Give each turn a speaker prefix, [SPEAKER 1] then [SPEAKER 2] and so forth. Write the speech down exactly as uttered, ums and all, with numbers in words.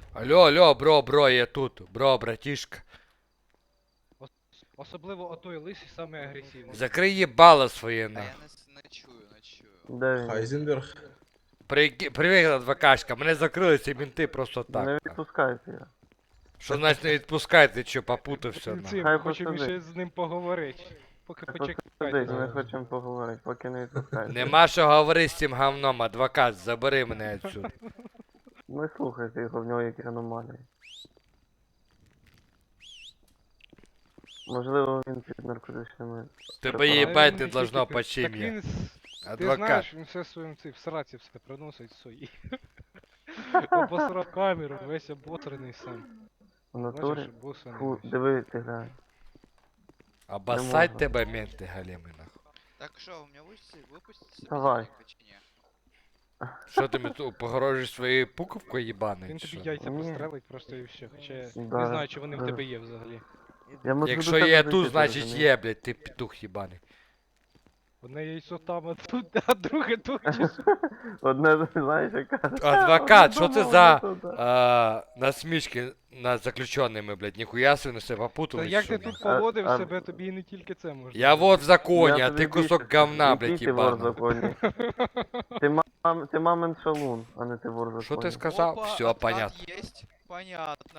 [SPEAKER 1] Алло, алло, бро, бро, я тут. Бро, братішка.
[SPEAKER 2] Особливо отой лисий саме агресивний.
[SPEAKER 1] Закрий їбало своє
[SPEAKER 3] А
[SPEAKER 1] на.
[SPEAKER 3] я не, с- не чую, не чую.
[SPEAKER 4] Де він?
[SPEAKER 5] Хайзенберг.
[SPEAKER 1] При... Привіт, адвокашка, мене закрили ці мінти просто
[SPEAKER 4] Не
[SPEAKER 1] так.
[SPEAKER 4] відпускайте його.
[SPEAKER 1] Що значить не відпускайте, що попутався на.
[SPEAKER 2] Цим,
[SPEAKER 4] Хай
[SPEAKER 2] хочемо
[SPEAKER 4] посидить.
[SPEAKER 2] ще з ним поговорити. Поки
[SPEAKER 4] Хай
[SPEAKER 2] почекайте.
[SPEAKER 4] посидить, ми
[SPEAKER 2] зараз.
[SPEAKER 4] хочемо поговорити, поки не відпускайте.
[SPEAKER 1] Нема що говорити з цим говном, адвокат, забери мене відсюди.
[SPEAKER 4] Не слухайте його, в нього якісь аномалії. Можливо, він під наркотичними.
[SPEAKER 1] Тебе
[SPEAKER 4] препаратами.
[SPEAKER 1] їбать
[SPEAKER 2] він
[SPEAKER 1] не
[SPEAKER 2] не
[SPEAKER 1] должно
[SPEAKER 2] тільки-
[SPEAKER 1] по
[SPEAKER 2] Так
[SPEAKER 1] чим я.
[SPEAKER 2] він, с- ти
[SPEAKER 1] Адвокат.
[SPEAKER 2] знаєш, він все своїм цим в сраці все приносить свої. Обосрав камеру, весь оботрений сам.
[SPEAKER 4] В
[SPEAKER 2] Бачиш,
[SPEAKER 4] натурі.
[SPEAKER 2] босаний
[SPEAKER 4] Фу,
[SPEAKER 2] весь.
[SPEAKER 4] диви, ти глянь.
[SPEAKER 1] Обоссать
[SPEAKER 4] можна.
[SPEAKER 1] тебе менти галіми нахуй.
[SPEAKER 3] Так що, у меня выпустите, выпустите
[SPEAKER 4] Давай.
[SPEAKER 3] собеседника чи ні?
[SPEAKER 1] Що ти мені тут погрожуєш своєю пуковкою їбаною?
[SPEAKER 2] Він
[SPEAKER 1] чи
[SPEAKER 2] тобі
[SPEAKER 1] що?
[SPEAKER 2] яйця
[SPEAKER 4] Ні.
[SPEAKER 2] пострелить просто і все. Хоча я
[SPEAKER 4] Да,
[SPEAKER 2] не знаю, чи вони в
[SPEAKER 4] да.
[SPEAKER 2] тебе є взагалі.
[SPEAKER 4] Я можу
[SPEAKER 1] Якщо
[SPEAKER 4] до тебе
[SPEAKER 1] є
[SPEAKER 4] зайти,
[SPEAKER 1] тут,
[SPEAKER 4] ти
[SPEAKER 1] значить
[SPEAKER 4] розумієш?
[SPEAKER 1] є, блядь, ти петух їбаний.
[SPEAKER 2] Одне яйцо там, а тут, а друге тут. чи що?
[SPEAKER 4] Одне, знаєш, яка.
[SPEAKER 1] Адвокат, що це за
[SPEAKER 4] Одне
[SPEAKER 1] а, насмішки над заключеними, блядь, ніхуя собі на себе
[SPEAKER 2] Та
[SPEAKER 1] попутали.
[SPEAKER 2] як
[SPEAKER 1] що
[SPEAKER 2] ти
[SPEAKER 1] нахуй?
[SPEAKER 2] тут поводив
[SPEAKER 4] А- а-
[SPEAKER 2] себе, тобі і не тільки це можна.
[SPEAKER 1] Я вот в законі,
[SPEAKER 4] Я
[SPEAKER 1] а
[SPEAKER 4] тобі
[SPEAKER 1] ти кусок
[SPEAKER 4] більше
[SPEAKER 1] говна,
[SPEAKER 4] скажу.
[SPEAKER 1] блядь,
[SPEAKER 4] Який ти вор в
[SPEAKER 1] їбаний.
[SPEAKER 4] законі? Ти мам, ти мамин шалун, а не ти вор в законі.
[SPEAKER 1] Що ти сказав?
[SPEAKER 3] Опа,
[SPEAKER 1] Все,
[SPEAKER 3] откат
[SPEAKER 1] понятно.
[SPEAKER 3] есть? Понятно.